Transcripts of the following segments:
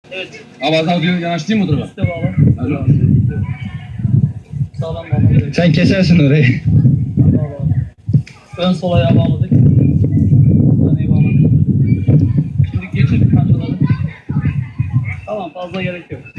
Evet. Abi az daha yanaştırayım mı tarafa? Üste bağla. Hadi. Sağlam bağla. Sen kesersin orayı. Bağla. Ön sol ayağı bağladık. Öneyi bağladık. Şimdi geçirdik kancaları. Tamam, fazla gerek yok.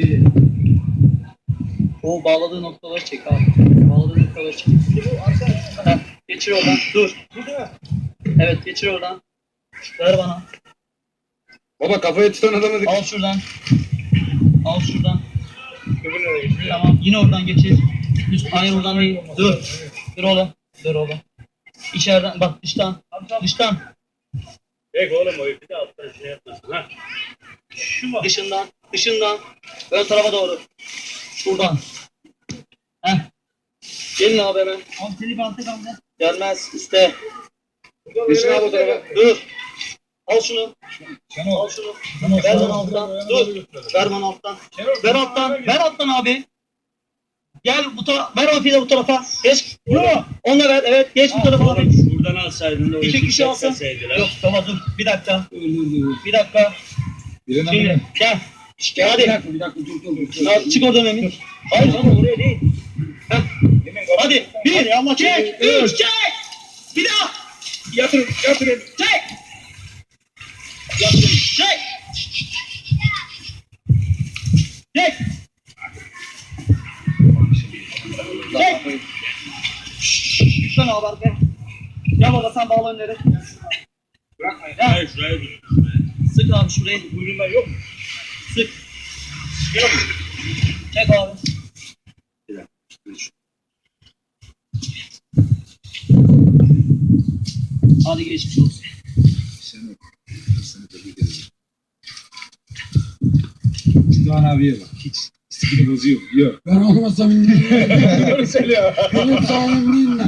O bağladığı noktaları çek abi. Bağladığı noktaları çek. Heh, geçir oradan. Dur. Evet, geçir oradan. Ver bana. Baba kafayı tutan adamı Al şuradan. Al şuradan. Tamam, yine oradan geçir. Hayır, oradan değil. Dur. Dur oğlum. Dur oğlum. İçeriden, bak dıştan. Dıştan. Peki oğlum o ipi de alttan şey yapmasın ha. Şu mu? Dışından. Dışından. Ön tarafa doğru. Şuradan. Heh. Gelin abi hemen. Abi seni bir altta kaldı. Gelmez. İste. Geçin abi o tarafa. Dur. Al şunu. Al şunu. Ver bana alttan. Dur. Ver bana alttan. Ver alttan. Ver alttan abi. Gel bu tarafa. Ver o ipi de bu tarafa. Geç. Onunla ver. Evet. Geç bu tarafa abi. Buradan alsaydın da o İki ipi kişi alsın. çekmeseydiler. Yok tamam dur. Bir dakika. Bir dakika. Birine Şimdi gel. Gel, Hadi. bir dakika dur. Ya, çık oradan Emin. Hayır canım oraya değil. Heh. Hadi. Bir. Allah çek. Üç. Çek. Bir daha. Yatırın. Çek. Çek. Çek. Çek. Lütfen abi arkaya. Gel baba sen bağla önleri. Bırakmayın. Hayır şuraya dur. Sık abi şurayı. Buyurma yok mu? Sık. Çek abi. Hadi geçmiş olsun. Seni tebrik ederim. Doğan abiye bak. Hiç istikini bozuyor. Yok. Ben olmasam indim. Doğru söylüyor. Benim sağlığım değil